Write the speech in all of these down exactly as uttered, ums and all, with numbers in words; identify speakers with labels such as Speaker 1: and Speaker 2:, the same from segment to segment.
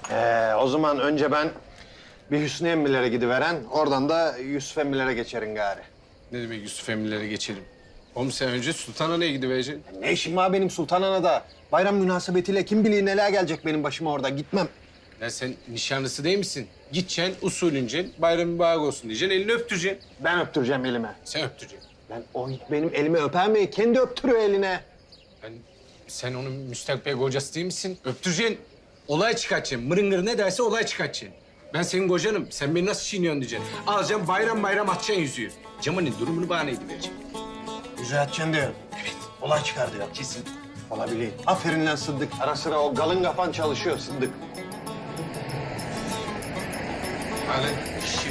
Speaker 1: Ee, o zaman önce ben bir Hüsnü emmilere gidiveren, oradan da Yusuf emmilere geçerim gari.
Speaker 2: Ne demek Yusuf emmilere geçelim? Oğlum sen önce Sultanhane'ye gidivereceksin.
Speaker 1: Ne işim var benim Sultanhana'da? Bayram münasebetiyle kim bilir neler gelecek benim başıma orada. Gitmem.
Speaker 2: Ya sen nişanlısı değil misin? Gideceksin, usulünce bayram mübarek olsun diyeceksin, elini öptüreceksin.
Speaker 1: Ben öptüreceğim elime.
Speaker 2: Sen öptüreceksin.
Speaker 1: Ben o benim elimi öper mi? Kendi öptürüyor eline.
Speaker 2: Ben, sen onun müstakbel kocası değil misin? Öptüreceksin. Olay çıkartacaksın. Mırıngır ne derse olay çıkartacaksın. Ben senin kocanım. Sen beni nasıl çiğniyorsun diyeceksin. Alacaksın bayram bayram atacaksın yüzüğü. Cemal'in durumunu bana edivereceksin.
Speaker 1: Yüzüğü atacaksın diyor. Evet. Olay çıkar diyor.
Speaker 2: Kesin.
Speaker 1: Olabilir. Aferin lan Sıddık. Ara sıra o galın kafan çalışıyor Sıddık.
Speaker 2: Hadi işi.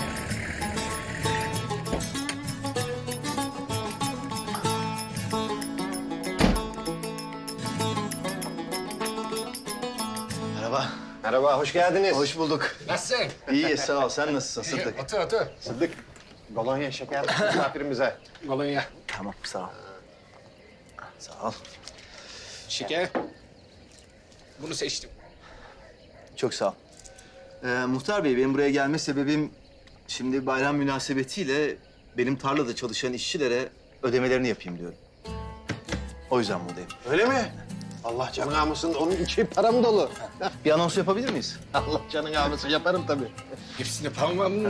Speaker 3: Merhaba.
Speaker 1: Merhaba, hoş geldiniz.
Speaker 3: Hoş bulduk.
Speaker 2: Nasılsın?
Speaker 3: İyi, sağ ol. Sen nasılsın Sıddık?
Speaker 2: Otur otur.
Speaker 1: Sıddık, kolonya şeker misafirimize.
Speaker 2: Kolonya.
Speaker 3: Tamam, sağ ol. Sağ ol.
Speaker 2: Şeker. Bunu seçtim.
Speaker 3: Çok sağ ol. Ee, Muhtar Bey, benim buraya gelme sebebim... ...şimdi bayram münasebetiyle benim tarlada çalışan işçilere ödemelerini yapayım diyorum. O yüzden buradayım.
Speaker 1: Öyle mi? Allah canını almasın, onun içi param dolu.
Speaker 3: Bir anons yapabilir miyiz?
Speaker 1: Allah canını almasın, yaparım tabii.
Speaker 2: Hepsini parmağımla.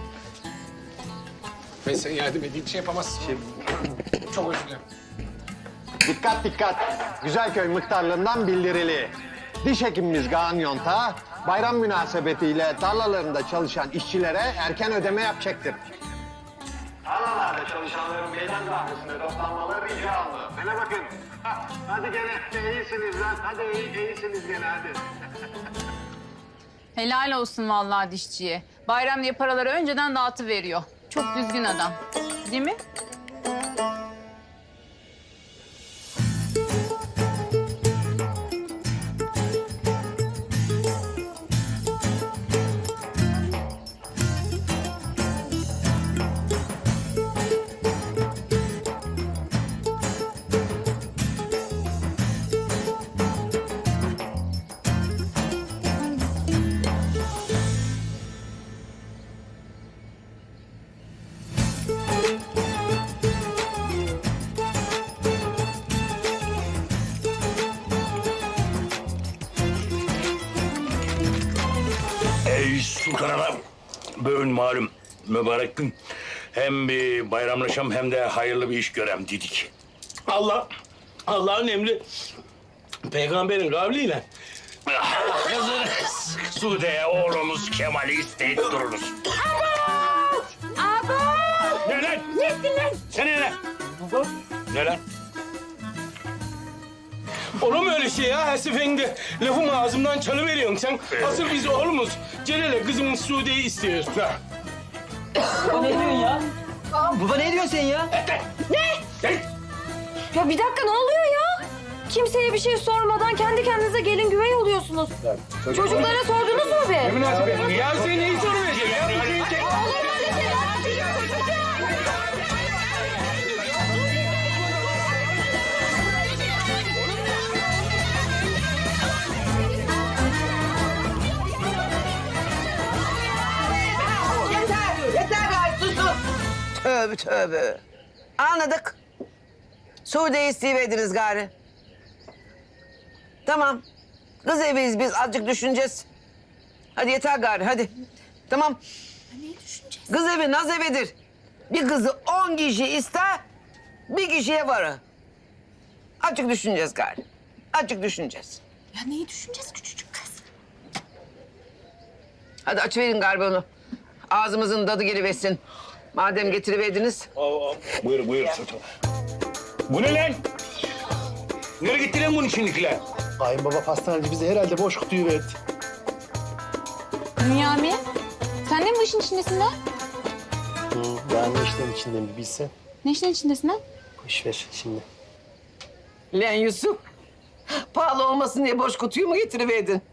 Speaker 2: Ben sana yardım edeyim, şey yapamazsın.
Speaker 3: Şey,
Speaker 2: Çok özür dilerim.
Speaker 1: Dikkat dikkat, Güzelköy Muhtarlığından bildirili. Diş hekimimiz Kaan Yonta, bayram münasebetiyle tarlalarında çalışan işçilere erken ödeme yapacaktır. Tarlalarda çalışanların meydan kahvesine toplanmaları rica alınır. Bana bakın. Hadi gene iyisiniz lan. Hadi iyi, iyisiniz gene hadi.
Speaker 4: Helal olsun vallahi dişçiye. Bayram diye paraları önceden dağıtıveriyor. Çok düzgün adam. Değil mi?
Speaker 5: Ey Sultan Hanım, bugün malum mübarek gün. Hem bir bayramlaşam hem de hayırlı bir iş görem dedik. Allah, Allah'ın emri peygamberin kavliyle kızınız Sude'ye oğlumuz Kemal'i isteyip dururuz.
Speaker 6: Abo!
Speaker 5: Ne lan?
Speaker 6: Ne ettin lan?
Speaker 5: Sen ne lan? Ne lan?
Speaker 7: Olur mu öyle şey ya? Her seferinde lafımı ağzımdan çalıveriyorsun sen. Asıl biz oğlumuz Celal'e kızımız Sude'yi istiyoruz. Ha.
Speaker 6: Ne diyorsun ya?
Speaker 3: Baba ne diyorsun sen ya?
Speaker 6: Ya bir dakika ne oluyor ya? Kimseye bir şey sormadan kendi kendinize gelin güvey oluyorsunuz. Çocuklara sordunuz mu be?
Speaker 7: Münasebet. Ya sen neyi soruyorsun ya? Bu şeyi tek-
Speaker 8: Yeter, yeter gayet susun. Tövbe tövbe. Anladık. Sude'yi isteyiverdiniz gari. Tamam. Kız eviyiz biz, azıcık düşüneceğiz. Hadi yeter gari, hadi. Tamam.
Speaker 6: Neyi düşüneceğiz?
Speaker 8: Kız evi naz evidir. Bir kızı on kişi ister, bir kişiye varır. Azıcık düşüneceğiz gari. Azıcık düşüneceğiz.
Speaker 6: Ya neyi düşüneceğiz küçücük kız?
Speaker 8: Hadi açıverin galiba onu. Ağzımızın tadı geliversin. Madem getiriverdiniz.
Speaker 5: Buyur, buyur Sultan. Bu ne lan? Nereye gitti lan bunun içindekiler?
Speaker 3: Kayınbaba pastaneci bize herhalde boş kutuyu verdi.
Speaker 4: Bünyamin, sen de mi bu işin içindesin lan?
Speaker 3: Ben ne işlerin içindeyim bir bilsen.
Speaker 4: Ne işin içindesin lan?
Speaker 3: Boş ver şimdi.
Speaker 8: Lan Yusuf. Pahalı olmasın diye boş kutuyu mu getiriverdin?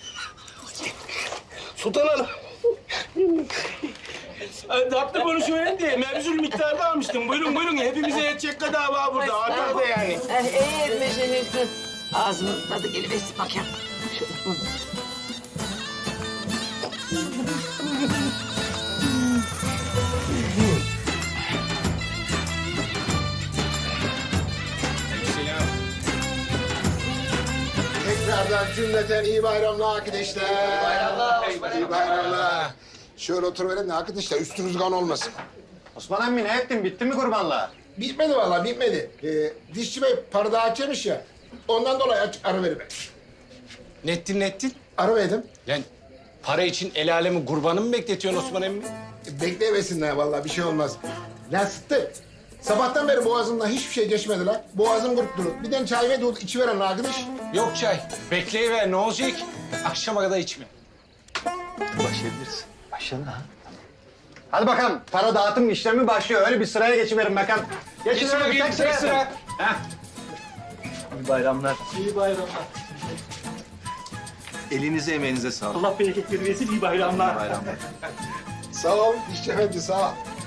Speaker 7: Sultan Hanım. Tatlı konuşuverin diye mevzul miktarda almıştım. Buyurun buyurun hepimize yetecek kadar var burada. Artar da yani.
Speaker 8: Eh, iyi etmişsin Yusuf. Ağzımın tadı geliversin bakayım. Şöyle.
Speaker 9: Tekrardan cümleten iyi bayramlar arkadaşlar. İyi bayramlar. İyi bayramlar. Şöyle oturuverin de arkadaşlar üstünüz kan olmasın.
Speaker 1: Osman emmi ne ettin? Bitti mi kurbanlar?
Speaker 9: Bitmedi vallahi bitmedi. Ee, dişçi bey parada açmış ya. Ondan dolayı aç, ara veriver.
Speaker 2: Nettin nettin.
Speaker 9: Ara verdim.
Speaker 2: Lan para için el alemi kurbanı mı bekletiyorsun Osman emmi?
Speaker 9: E, bekleyemesinler vallahi bir şey olmaz. Lan Sıttı. Sabahtan beri boğazımdan hiçbir şey geçmedi lan. Boğazım kurup durur. Bir de çay ve dolu içiveren arkadaş.
Speaker 2: Yok çay. Bekleyiver ne olacak? Akşama kadar içme.
Speaker 3: Başlayabiliriz. Başlayalım ha.
Speaker 1: Hadi bakalım. Para dağıtım işlemi başlıyor. Öyle bir sıraya geçiverin bakalım. Geçin
Speaker 2: Geç
Speaker 1: öyle bir
Speaker 2: bakayım
Speaker 1: tek sıra.
Speaker 2: tek sıra.
Speaker 1: Heh.
Speaker 3: İyi bayramlar.
Speaker 7: İyi bayramlar.
Speaker 3: Elinize emeğinize sağlık.
Speaker 7: Allah bereketleri versin, iyi bayramlar.
Speaker 3: Bayramlar.
Speaker 9: Sağ ol dişçi efendi sağ ol.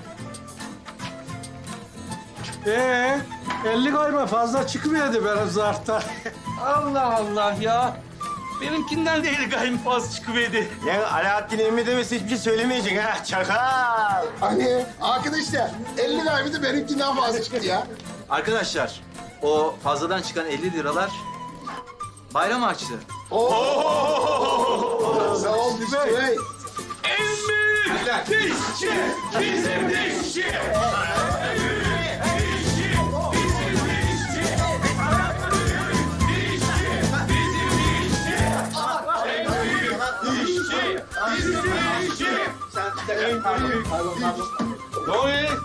Speaker 7: Ee, elli koyma fazla çıkmıyordu benim zarfta. Allah Allah ya. Benimkinden de eli gaymi fazla çıkıverdi.
Speaker 3: Ya Alaaddin emmi demesi hiçbir şey söylemeyecek ha. Çakal.
Speaker 9: Hani arkadaşlar elli kaybı benimkinden fazla çıktı ya.
Speaker 3: Arkadaşlar o fazladan çıkan elli liralar bayram harçlığı.
Speaker 9: Sağ ol dişçi bey.
Speaker 7: Dişçi, bizim dişçi. Ne oluyor?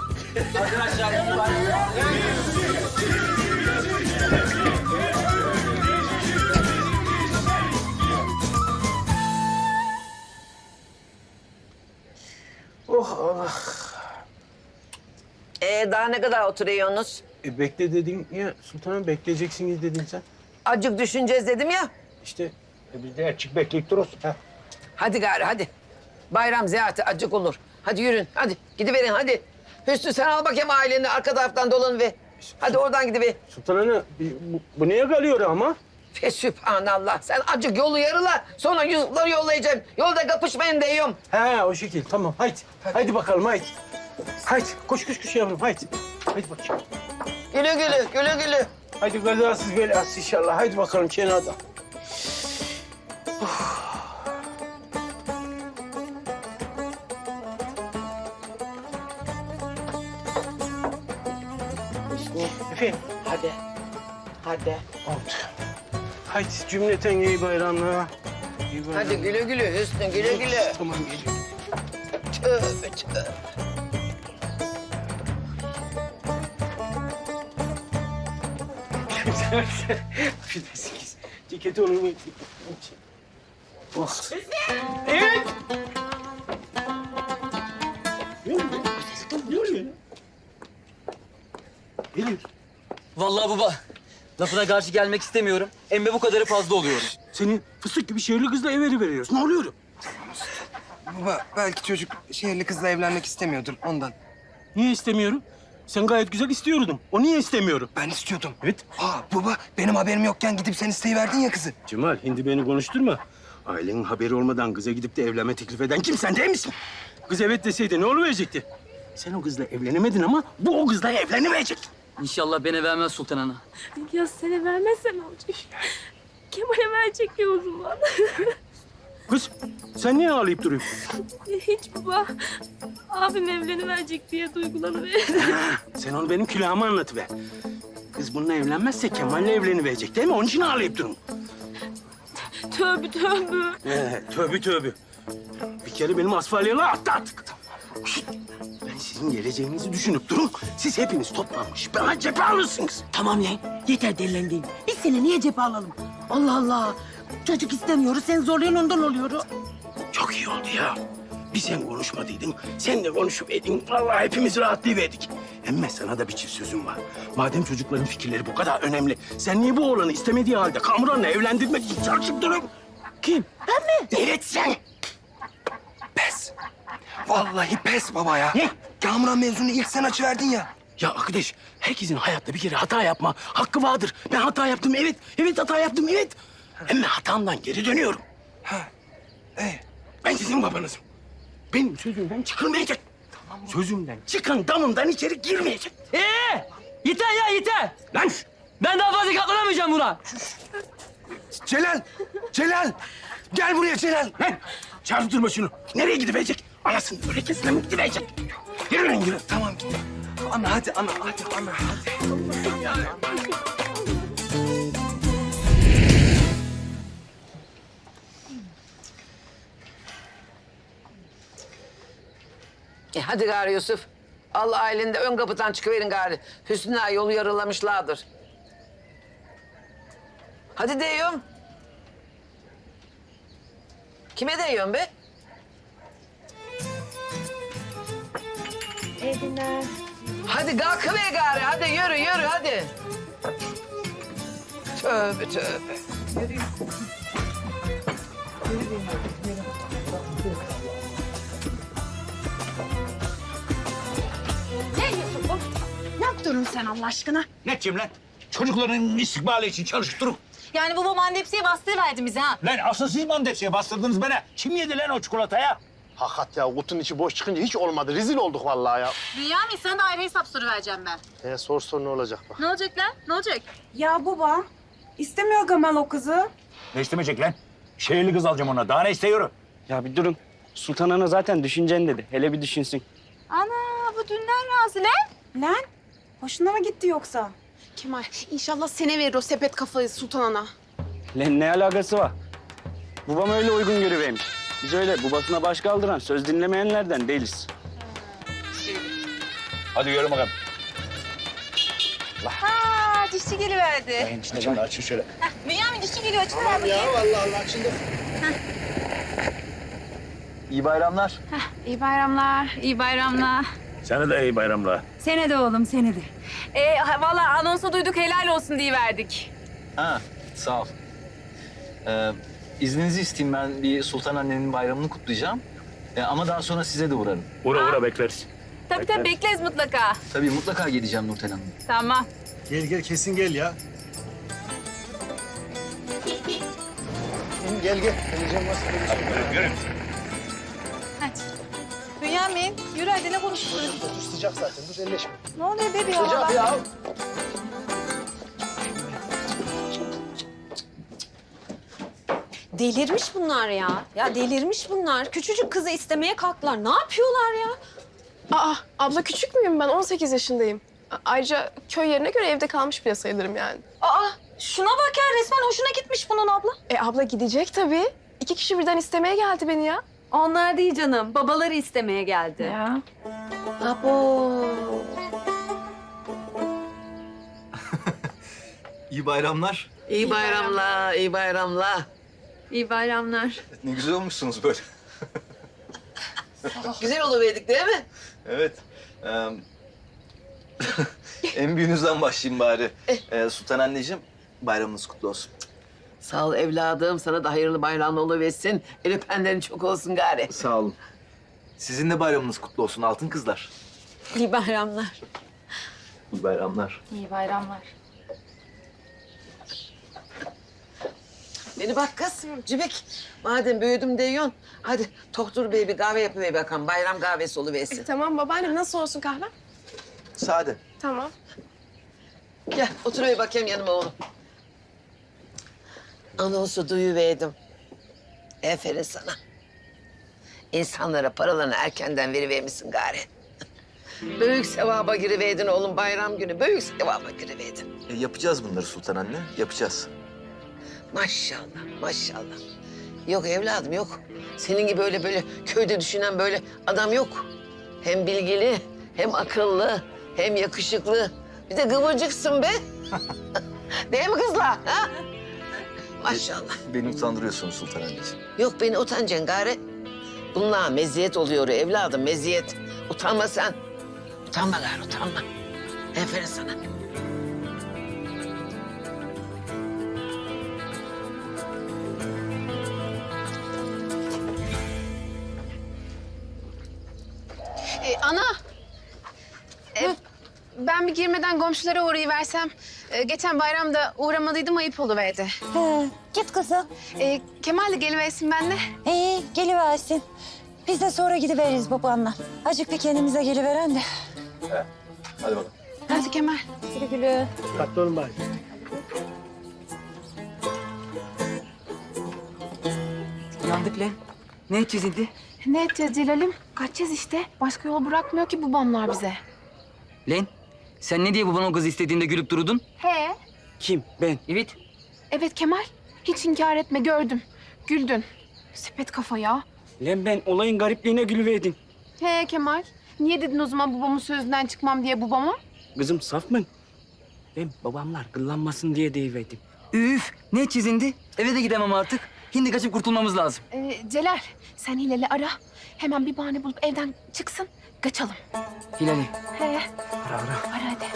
Speaker 8: Ee, daha ne kadar oturuyorsunuz?
Speaker 7: E bekle dedin ya sultanım, bekleyeceksiniz dedin sen.
Speaker 8: Acık düşüneceğiz dedim ya.
Speaker 7: İşte e biz de açık bekleyip dururuz. Ha.
Speaker 8: Hadi gari hadi. Bayram ziyareti acık olur. Hadi yürün hadi gidiverin hadi. Hüsnü sen al bakayım aileni arka taraftan dolan ve. Hadi oradan gidiver.
Speaker 7: Sultan Ana bu, bu niye kalıyor ama?
Speaker 8: Fe sübhanallah. Sen acık yolu yarıla. Sonra Yusuf'ları yollayacağım. Yolda kapışmayın diyorum.
Speaker 7: He o şekil tamam haydi. Haydi bakalım haydi. Haydi koş koş koş yavrum haydi. Haydi bakayım.
Speaker 8: Gülü gülü gülü gülü.
Speaker 7: Haydi kazasız belasız inşallah. Haydi bakalım kenarda. Efendim?
Speaker 8: Hadi. Hadi.
Speaker 7: Oldu. Haydi cümleten iyi bayramlar. İyi bayramlar.
Speaker 8: Hadi güle güle Hüsnü güle güle.
Speaker 7: Tamam geliyorum.
Speaker 8: Tövbe tövbe.
Speaker 7: Affedersiniz. Ceketi onu... Oh. Evet. Ne oluyor? Ne oluyor? Geliyor.
Speaker 10: Vallahi baba, lafına karşı gelmek istemiyorum. Emme bu kadarı fazla oluyorum.
Speaker 7: Senin fıstık gibi şehirli kızla ev veriyoruz. Ne oluyor?
Speaker 11: Baba belki çocuk şehirli kızla evlenmek istemiyordur ondan.
Speaker 7: Niye istemiyorum? Sen gayet güzel istiyordun. O niye istemiyorum?
Speaker 11: Ben istiyordum.
Speaker 7: Evet.
Speaker 11: Ha baba benim haberim yokken gidip sen isteyiverdin ya kızı.
Speaker 7: Cemal, hindi beni konuşturma. Ailenin haberi olmadan kıza gidip de evlenme teklif eden kim, sen değil misin? Kız evet deseydi ne oluverecekti? Sen o kızla evlenemedin ama bu o kızla evleniverecek.
Speaker 10: İnşallah beni vermez Sultan Ana.
Speaker 6: Ya seni vermezse ne olacak? Kemal'e verecek ya o zaman.
Speaker 7: Kız, sen niye ağlayıp duruyorsun?
Speaker 6: Hiç baba. Abim evleniverecek diye duygulanıverdim.
Speaker 7: Sen onu benim külahıma anlatıver. Kız bununla evlenmezse Kemal'le evleniverecek değil mi? Onun için ağlayıp durun.
Speaker 6: Tövbe tövbe.
Speaker 7: Ee, tövbe tövbe. Bir kere benim asfalyalı attı artık. Şişt, ben sizin geleceğinizi düşünüp durun. Siz hepiniz toplanmış. Bana cephe alırsınız.
Speaker 12: Tamam lan, yeter delilendiğin. Biz seni niye cephe alalım? Allah Allah. Çocuk istemiyoruz, sen zorlayan ondan oluyor.
Speaker 7: Çok iyi oldu ya. Bir sen konuşmadıydın, sen de konuşuverdin. Vallahi hepimiz rahatlayıverdik. Emme sana da bir çift sözüm var. Madem çocukların fikirleri bu kadar önemli, sen niye bu oğlanı istemediği halde Kamuran'la evlendirmek için çalışıp durun? Kim?
Speaker 12: Ben mi?
Speaker 7: Evet sen.
Speaker 11: Pes. Vallahi pes baba ya.
Speaker 7: Ne?
Speaker 11: Kamuran mevzunu ilk sen açıverdin ya.
Speaker 7: Ya arkadaş, herkesin hayatta bir kere hata yapma hakkı vardır. Ben hata yaptım, evet. Evet hata yaptım, evet. Ama hatamdan geri dönüyorum.
Speaker 11: Ha. İyi.
Speaker 7: Ben sizin babanızım. Benim sözümden çıkılmayacak. Sözümden çıkan damımdan içeri girmeyecek.
Speaker 10: Ee, yeter ya yeter.
Speaker 7: Lan
Speaker 10: Ben daha fazla katlanamayacağım buna.
Speaker 7: Celal! Celal! Gel buraya Celal! Lan çarptırma şunu. Nereye gidivecek? Anasını örekesine mi gidivecek? Yürü lan yürü. Tamam.
Speaker 11: Ana hadi ana hadi ana hadi.
Speaker 8: E hadi gari Yusuf. Allah ailinde ön kapıdan çıkıverin gari. Hüsnü ağa yolu yarılamışlardır. Hadi diyorum. Kime diyorsun be?
Speaker 6: İyi günler.
Speaker 8: Hadi kalkıver gari. Hadi yürü yürü hadi. Tövbe tövbe.
Speaker 12: Ne yaptın sen Allah aşkına?
Speaker 5: Ne diyeyim lan? Çocukların istikbali için çalıştırın.
Speaker 6: Yani babam andepsiye bastırıverdi bize ha.
Speaker 5: Lan asıl siz mandepsiye bastırdınız bana. Kim yedi lan o çikolataya?
Speaker 1: Hakikat ya kutunun içi boş çıkınca hiç olmadı. Rezil olduk vallahi ya.
Speaker 4: Bünyamin sana da ayrı hesap soruvereceğim ben.
Speaker 1: E, sor sor ne olacak bak.
Speaker 4: Ne olacak lan? Ne olacak?
Speaker 12: Ya baba, istemiyor Gamal o kızı.
Speaker 5: Ne istemeyecek lan? Şehirli kız alacağım ona. Daha ne istiyor?
Speaker 10: Ya bir durun. Sultan Ana zaten düşüneceksin dedi. Hele bir düşünsün.
Speaker 4: Ana bu dünden razı lan.
Speaker 12: Lan, hoşuna mı gitti yoksa?
Speaker 6: Kemal inşallah sene verir o sepet kafayı Sultan Ana.
Speaker 10: Lan ne alakası var? Babam öyle uygun görüvermiş. Biz öyle babasına baş kaldıran, söz dinlemeyenlerden değiliz.
Speaker 5: Hadi yürü bakalım.
Speaker 4: Ha dişçi geliverdi.
Speaker 5: Enişte açın şöyle.
Speaker 4: Bünyamin dişçi geliyor. Açın ver bakayım.
Speaker 1: vallahi Allah açıldı.
Speaker 3: İyi bayramlar.
Speaker 4: İyi bayramlar. İyi bayramlar.
Speaker 5: Sana da iyi bayramlar.
Speaker 12: Sene de oğlum, sene de.
Speaker 4: Ee, valla anonsa duyduk helal olsun diye verdik.
Speaker 3: Ha, sağ ol. Ee, izninizi isteyeyim, ben bir Sultan annenin bayramını kutlayacağım. Ee, ama daha sonra size de uğrarım.
Speaker 5: Uğra uğra bekleriz.
Speaker 4: Tabii tabii bekleriz mutlaka.
Speaker 3: Tabii mutlaka geleceğim Nurten Hanım.
Speaker 4: Tamam.
Speaker 9: Gel gel kesin gel ya. Gel gel. Geleceğim
Speaker 5: Yürü, yürü.
Speaker 4: Hadi. Bünyamin yürü hadi ne konuşuyorsun?
Speaker 9: Sıcak zaten dur elleşme.
Speaker 4: Ne oluyor bebi ya?
Speaker 1: Sıcak ya.
Speaker 6: Delirmiş bunlar ya. Ya delirmiş bunlar. Küçücük kızı istemeye kalktılar. Ne yapıyorlar ya?
Speaker 13: Aa, abla küçük müyüm ben? on sekiz yaşındayım. A- Ayrıca köy yerine göre evde kalmış bile sayılırım yani.
Speaker 6: Aa, şuna bak ya resmen hoşuna gitmiş bunun abla.
Speaker 13: E abla gidecek tabii. İki kişi birden istemeye geldi beni ya.
Speaker 6: Onlar değil canım. Babaları istemeye geldi.
Speaker 13: Ya.
Speaker 6: Abo.
Speaker 3: İyi bayramlar.
Speaker 8: İyi bayramlar, iyi bayramlar.
Speaker 6: İyi bayramlar.
Speaker 3: Ne güzel olmuşsunuz böyle.
Speaker 8: Güzel oluverdik değil mi?
Speaker 3: Evet. Ee, en büyüğünüzden başlayayım bari. Ee, Sultan anneciğim, bayramınız kutlu olsun.
Speaker 8: Sağ ol evladım. Sana da hayırlı bayram oluversin. El öpenlerin çok olsun gari.
Speaker 3: Sağ olun. Sizin de bayramınız kutlu olsun altın kızlar.
Speaker 6: İyi bayramlar.
Speaker 3: İyi bayramlar.
Speaker 4: İyi bayramlar.
Speaker 8: Beni bak kız, Cibik. Madem büyüdüm diyorsun, hadi Tohtur Bey bir kahve yapıver bakalım. Bayram kahvesi oluversin.
Speaker 13: Tamam babaannem nasıl olsun kahve?
Speaker 3: Sade.
Speaker 13: Tamam.
Speaker 8: Gel, otur bakayım yanıma oğlum. Anonsu duyuverdim. Aferin sana. İnsanlara paralarını erkenden verivermişsin gari. Büyük sevaba giriverdin oğlum bayram günü. Büyük sevaba giriverdin.
Speaker 3: E, yapacağız bunları Sultan anne, yapacağız.
Speaker 8: Maşallah, maşallah. Yok evladım yok. Senin gibi öyle böyle köyde düşünen böyle adam yok. Hem bilgili, hem akıllı, hem yakışıklı. Bir de kıvırcıksın be. Değil mi kızlar? Ha? Maşallah.
Speaker 3: Beni utandırıyorsunuz Sultan anneciğim.
Speaker 8: Yok beni utanacaksın gari. Bunlar meziyet oluyor evladım, meziyet. Utanma sen. Utanma gari, utanma. Aferin sana.
Speaker 13: E, ana. E, ben bir girmeden komşulara uğrayıversem.
Speaker 4: Ee, geçen bayramda uğramadıydım, ayıp oluverdi.
Speaker 6: He, git kızım.
Speaker 4: Ee, Kemal de geliversin benimle.
Speaker 6: İyi, geliversin. Biz de sonra gidiveririz babanla. Acık bir kendimize geliveren de.
Speaker 3: Hadi bakalım.
Speaker 4: Hadi Kemal.
Speaker 6: Güle güle.
Speaker 7: Dikkatli olun bari.
Speaker 11: Yandık lan. Ne edeceğiz şimdi?
Speaker 13: Ne edeceğiz Celal'im? Kaçacağız işte. Başka yol bırakmıyor ki babamlar bize.
Speaker 11: Lan sen ne diye baban o kızı istediğinde gülüp durudun?
Speaker 13: He.
Speaker 11: Kim? Ben. Evet.
Speaker 13: Evet Kemal. Hiç inkar etme, gördüm. Güldün. Sepet kafa ya.
Speaker 10: Lan ben olayın garipliğine gülüverdim.
Speaker 13: He Kemal. Niye dedin o zaman babamın sözünden çıkmam diye babama?
Speaker 10: Kızım saf mı? Ben babamlar gıllanmasın diye deyiverdim.
Speaker 11: Üf ne edeceğiz şimdi? Eve de gidemem artık. Şimdi kaçıp kurtulmamız lazım.
Speaker 13: Ee, Celal, sen Hilal'i ara. Hemen bir bahane bulup evden çıksın. Kaçalım.
Speaker 11: Hilal'i.
Speaker 13: He.
Speaker 11: Ara ara.
Speaker 13: Ara hadi.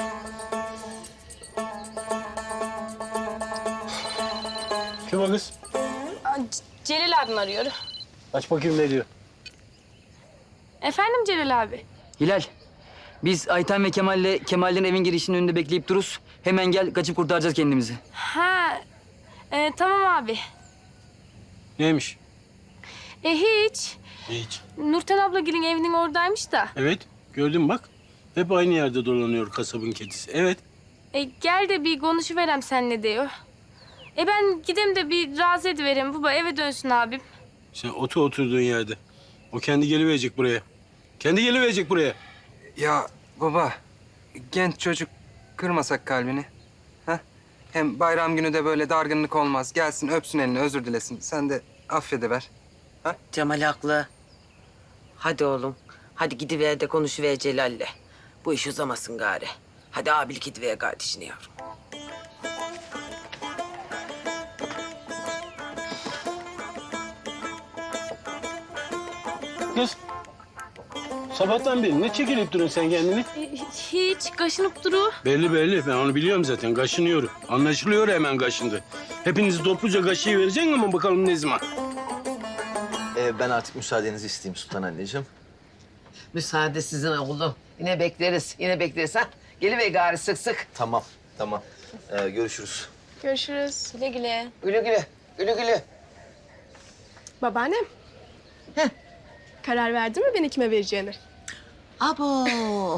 Speaker 7: Kim o kız?
Speaker 13: Celal abim arıyor.
Speaker 7: Aç bakayım ne diyor.
Speaker 13: Efendim Celal abi?
Speaker 11: Hilal. Biz Ayten ve Kemal'le Kemal'lerin evin girişinin önünde bekleyip dururuz. Hemen gel kaçıp kurtaracağız kendimizi.
Speaker 13: Ha, e, tamam abi.
Speaker 7: Neymiş?
Speaker 13: E hiç.
Speaker 7: Hiç.
Speaker 13: Nurten ablagilin evinin oradaymış da.
Speaker 7: Evet, gördün bak. Hep aynı yerde dolanıyor kasabın kedisi. Evet.
Speaker 13: E gel de bir konuşuverem seninle diyor. E ben gideyim de bir razı ediverem baba, eve dönsün abim.
Speaker 7: Sen otur oturduğun yerde. O kendi geliverecek buraya. Kendi geliverecek buraya.
Speaker 11: Ya baba, genç çocuk kırmasak kalbini. Ha? Hem bayram günü de böyle dargınlık olmaz. Gelsin öpsün elini, özür dilesin. Sen de affediver.
Speaker 8: Cemal haklı. Hadi oğlum. Hadi gidiver de konuşuver Celal'le. Bu iş uzamasın gari. Hadi abilik gidiver kardeşine yavrum.
Speaker 7: Kız. Sabahtan beri ne çekilip duruyorsun sen kendini?
Speaker 13: E, hiç kaşınıp duru.
Speaker 7: Belli belli. Ben onu biliyorum zaten. Kaşınıyorum. Anlaşılıyor hemen kaşındı. Hepinizi topluca kaşıyı vereceksin ama bakalım ne zaman?
Speaker 3: Ee, ben artık müsaadenizi isteyeyim Sultan anneciğim.
Speaker 8: Müsaade sizin oğlum. Yine bekleriz. Yine bekleriz ha. Geliver gari sık sık.
Speaker 3: Tamam, tamam. Ee, görüşürüz.
Speaker 13: Görüşürüz. Güle güle.
Speaker 8: Güle güle. Güle güle.
Speaker 13: Babaannem.
Speaker 8: Heh.
Speaker 13: Karar verdin mi beni kime vereceğini?
Speaker 8: Abo.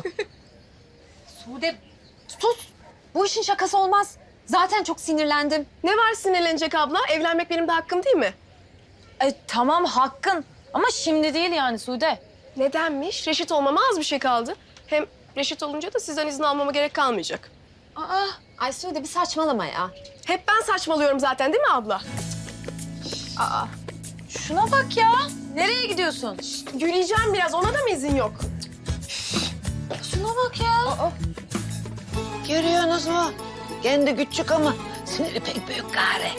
Speaker 6: Sude, sus. Bu işin şakası olmaz. Zaten çok sinirlendim.
Speaker 13: Ne var sinirlenecek abla? Evlenmek benim de hakkım değil mi?
Speaker 6: E, tamam hakkın. Ama şimdi değil yani Sude.
Speaker 13: Nedenmiş? Reşit olmama az bir şey kaldı. Hem reşit olunca da sizden izin almama gerek kalmayacak.
Speaker 6: Aa, ay Sude bir saçmalama ya.
Speaker 13: Hep ben saçmalıyorum zaten değil mi abla?
Speaker 6: Aa, şuna bak ya. Nereye gidiyorsun?
Speaker 13: Yürüyeceğim biraz. Ona da mı izin yok?
Speaker 6: Şuna bak ya.
Speaker 8: Görüyorsunuz mu? Kendi küçük ama siniri pek büyük gari.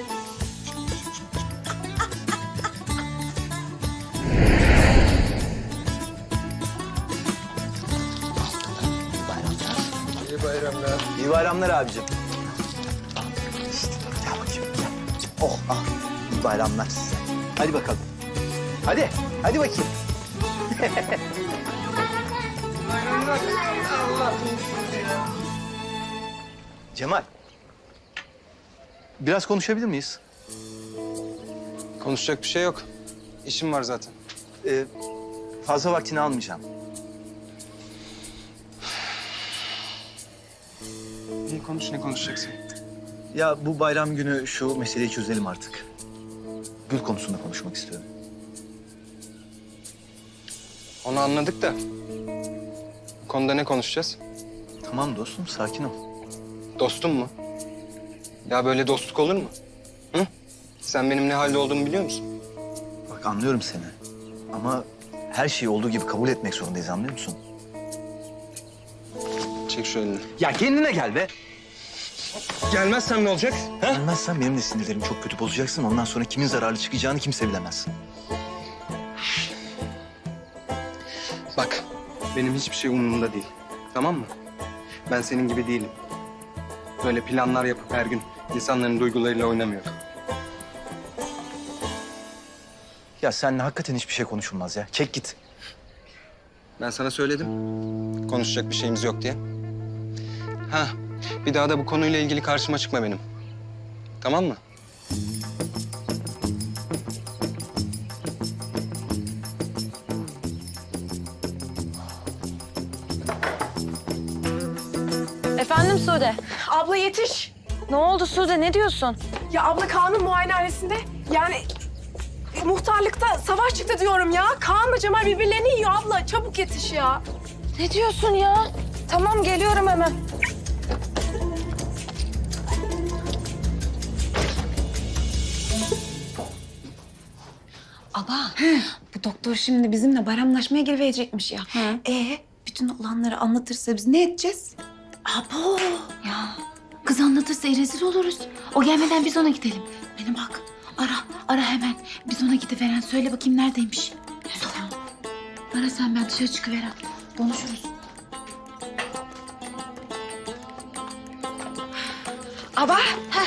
Speaker 3: İyi bayramlar. İyi bayramlar abicim. İşte, gel bakayım. Gel. Oh, ah. İyi bayramlar size. Hadi bakalım. Hadi, hadi bakayım. Cemal. Biraz konuşabilir miyiz?
Speaker 11: Konuşacak bir şey yok. İşim var zaten.
Speaker 3: Ee, fazla vaktini almayacağım.
Speaker 11: İyi konuş, ne konuşacaksın?
Speaker 3: Ya bu bayram günü şu meseleyi çözelim artık. Gül konusunda konuşmak istiyorum.
Speaker 11: Onu anladık da. Bu konuda ne konuşacağız?
Speaker 3: Tamam dostum, sakin ol.
Speaker 11: Dostum mu? Ya böyle dostluk olur mu? Hı? Sen benim ne halde olduğumu biliyor musun?
Speaker 3: Bak anlıyorum seni. Ama her şeyi olduğu gibi kabul etmek zorundayız, anlıyor musun?
Speaker 11: Çek şu elini.
Speaker 3: Ya kendine gel be.
Speaker 11: Gelmezsem ne olacak? Ha?
Speaker 3: Gelmezsen benim de sinirlerim çok kötü bozacaksın. Ondan sonra kimin zararlı çıkacağını kimse bilemez.
Speaker 11: Bak, benim hiçbir şey umurumda değil. Tamam mı? Ben senin gibi değilim. Böyle planlar yapıp her gün insanların duygularıyla oynamıyorum.
Speaker 3: Ya seninle hakikaten hiçbir şey konuşulmaz ya. Çek git.
Speaker 11: Ben sana söyledim. Konuşacak bir şeyimiz yok diye. Ha, Bir daha da bu konuyla ilgili karşıma çıkma benim. Tamam mı?
Speaker 6: Efendim Sude.
Speaker 13: Abla yetiş.
Speaker 6: Ne oldu Sude? Ne diyorsun?
Speaker 13: Ya abla Kaan'ın muayenehanesinde yani e, muhtarlıkta savaş çıktı diyorum ya. Kaan'la Cemal birbirlerini yiyor abla. Çabuk yetiş ya.
Speaker 6: Ne diyorsun ya? Tamam geliyorum hemen.
Speaker 12: Aba, bu doktor şimdi bizimle bayramlaşmaya gelecekmiş ya. Ee, bütün olanları anlatırsa biz ne edeceğiz? Abo. Ya, kız anlatırsa rezil oluruz. O gelmeden biz ona gidelim. Beni bak, ara, ara hemen. Biz ona gidiveren, söyle bakayım neredeymiş. Sor. Ara sen, ben dışarı çıkıveren. Konuşuruz. Aba, heh.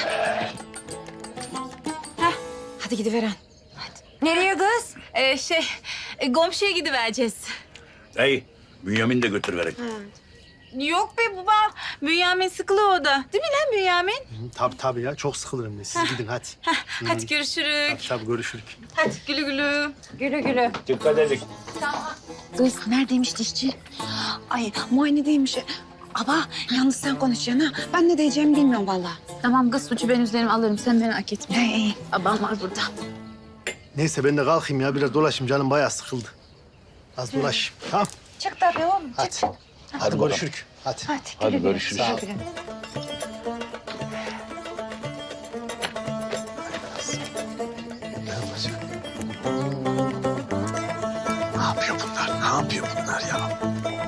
Speaker 12: Heh, hadi gidiveren.
Speaker 4: Nereye kız? Ee, şey, e, komşuya gidivereceğiz.
Speaker 5: Hey, Bünyamin de götür verek.
Speaker 4: Yok be baba, Bünyamin sıkılı o da. Değil mi lan Bünyamin?
Speaker 9: Tabii tabii ya, çok sıkılırım ben. Siz gidin hadi.
Speaker 4: Hadi görüşürük.
Speaker 9: Tabii, tabii görüşürük.
Speaker 4: Hadi güle güle.
Speaker 6: Güle güle.
Speaker 5: Dikkat edin.
Speaker 12: Kız neredeymiş dişçi? Ay muayenedeymiş. Aba yalnız sen konuşacaksın ha. Ben ne diyeceğimi bilmiyorum vallahi.
Speaker 4: Tamam kız, suçu ben üzerime alırım. Sen merak etme.
Speaker 12: He iyi.
Speaker 4: Babam var burada.
Speaker 9: Neyse ben de kalkayım ya, biraz dolaşayım. Canım bayağı sıkıldı. Az dolaşayım. Tamam.
Speaker 12: Çık tabii oğlum.
Speaker 9: Hadi.
Speaker 12: Çık.
Speaker 9: Hadi görüşürük. Hadi.
Speaker 12: Hadi,
Speaker 5: Hadi
Speaker 12: güle güle.
Speaker 5: görüşürüz.
Speaker 12: Güle güle.
Speaker 9: Ne yapacak? Ne yapıyor bunlar? Ne yapıyor bunlar ya?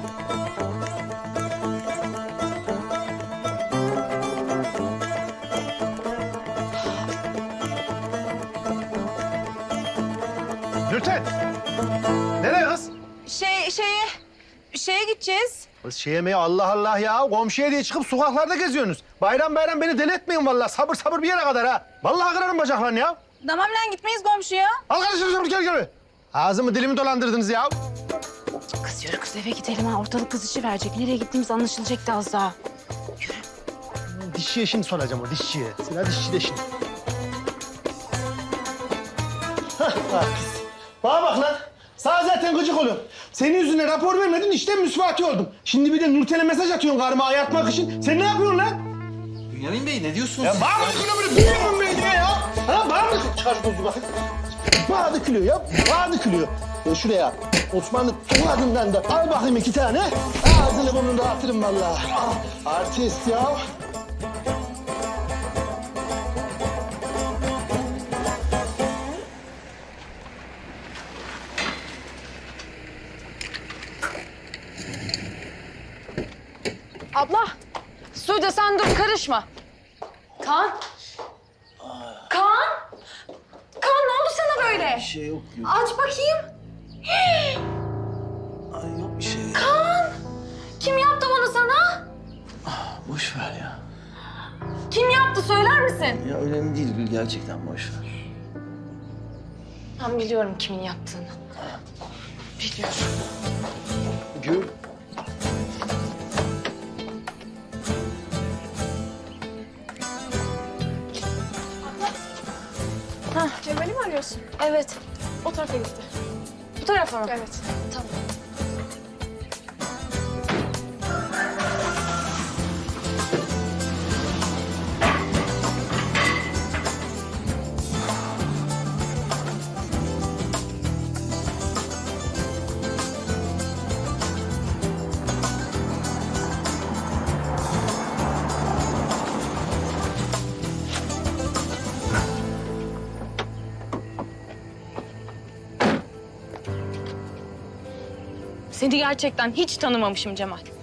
Speaker 9: Nurten! Nereye kız?
Speaker 4: Şey, şeye, şeye gideceğiz.
Speaker 9: Kız şey yemeği Allah Allah ya. Komşuya diye çıkıp sokaklarda geziyorsunuz. Bayram bayram beni deli etmeyin vallahi. Sabır sabır bir yere kadar ha. Vallahi kırarım bacaklarını ya.
Speaker 4: Tamam lan, gitmeyiz komşuya.
Speaker 9: Al kardeşim çabuk gel gel. Ağzımı dilimi dolandırdınız ya.
Speaker 12: Kız yürü kız eve gidelim ha. Ortalık kızışı verecek. Nereye gittiğimiz anlaşılacak da az daha.
Speaker 9: Dişçiye şimdi soracağım o dişçiye. Sıra dişçi de şimdi. Hah, bak kız. Bana bak lan. Sana zaten gıcık oluyorum. Senin yüzüne rapor vermedin, işten müsvati oldum. Şimdi bir de Nurten'e mesaj atıyorsun karıma ayartmak için. Sen ne yapıyorsun lan?
Speaker 3: Bünyamin Bey ne diyorsunuz
Speaker 9: Ya
Speaker 3: siz?
Speaker 9: bana mı dökülüyor böyle Bünyamin Bey diye ya? Ha bana mı? Çıkar şu tozu bakayım. Bana dökülüyor ya, bana dökülüyor. Ya şuraya Osmanlı adından da al bakayım iki tane. Ağzını burnunu dağıtırım vallahi. Ah, artist ya.
Speaker 6: Abla. Sude sen dur karışma. Kaan. Kaan. Kaan ne oldu sana böyle?
Speaker 3: Bir şey yok. yok.
Speaker 6: Aç bakayım.
Speaker 3: Ay yok bir şey.
Speaker 6: Kaan. Kim yaptı bunu sana?
Speaker 3: Boş ver ya.
Speaker 6: Kim yaptı söyler misin?
Speaker 3: Ya önemli değil Gül, gerçekten boş ver.
Speaker 6: Ben biliyorum kimin yaptığını. Biliyorum.
Speaker 9: Gül.
Speaker 13: Cemal'i mi arıyorsun?
Speaker 6: Evet.
Speaker 13: O tarafa gitti.
Speaker 6: Bu tarafa mı?
Speaker 13: Evet.
Speaker 6: Tamam. Seni gerçekten hiç tanımamışım Cemal.